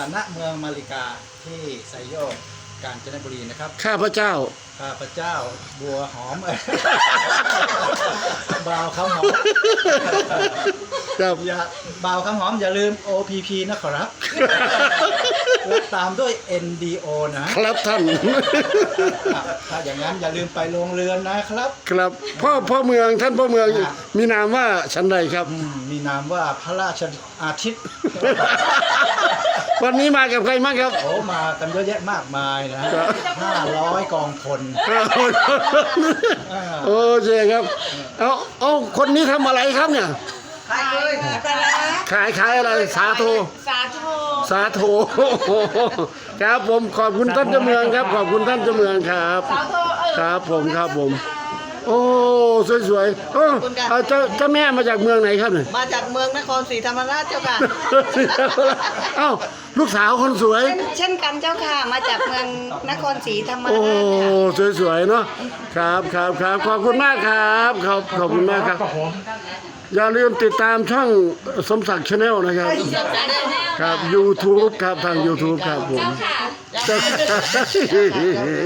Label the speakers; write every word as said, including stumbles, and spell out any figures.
Speaker 1: ณเมืองมาริกาที่ไซโยกกาญจนบุรีนะครับ
Speaker 2: ข้าพเจ้า
Speaker 1: ข้าพเจ้าบัวหอม บ่าวคำหอม
Speaker 2: ครับ
Speaker 1: อย่าบ่าวคำหอมอย่าลืม โอ พี พี นะครับ และตามด้วย เอ็น ดี โอ นะครับ
Speaker 2: ท่าน
Speaker 1: ถ้าอย่างนั้นอย่าลืมไปโรงเรือนนะครับ
Speaker 2: ครับพ่อพ่อเมืองท่านพ่อเมือง
Speaker 1: อ่า
Speaker 2: มีนามว่าชั้นใดครับ
Speaker 1: อืมมีนามว่าพระราชอาทิตย์
Speaker 2: วันนี้มากับใครมางครับ
Speaker 1: โอ้มากันเยอะแยะมากมายนะห้าร้อยกองพล
Speaker 2: โอเคครับเอาเอาคนนี้ทำอะไรครับเนี่ย
Speaker 3: ขายเลยปลาร้า
Speaker 2: ขายขายอะไรสาโท
Speaker 3: สาธุ
Speaker 2: สาโทครับผมขอบคุณท่านเจ้าเมืองครับ ขอบคุณท่านเจ้าเมืองครับ
Speaker 3: สาธุเออ
Speaker 2: ครับผมครับผม โอ้สวยๆโอ้เอาเจ้าเจ้าแม่มาจากเมืองไหนครับเนี่ย
Speaker 3: มาจากเมืองนครศรีธรรมราชเจ้าค่ะ
Speaker 2: เอ้าลูกสาวคนสวย
Speaker 3: เช่นเช่นกันเจ้าค่ะ มาจากเมืองนครศรีธรรม
Speaker 2: โอ้
Speaker 3: ราชค่ะ
Speaker 2: สวยๆเนาะครับครับครับขอบคุณมากครับขอบขอบคุณมากครับอย่าลืมติดตามช่องสมศักดิ์ชาแนลนะครับ ครับ YouTube ครับทาง YouTube ครับผม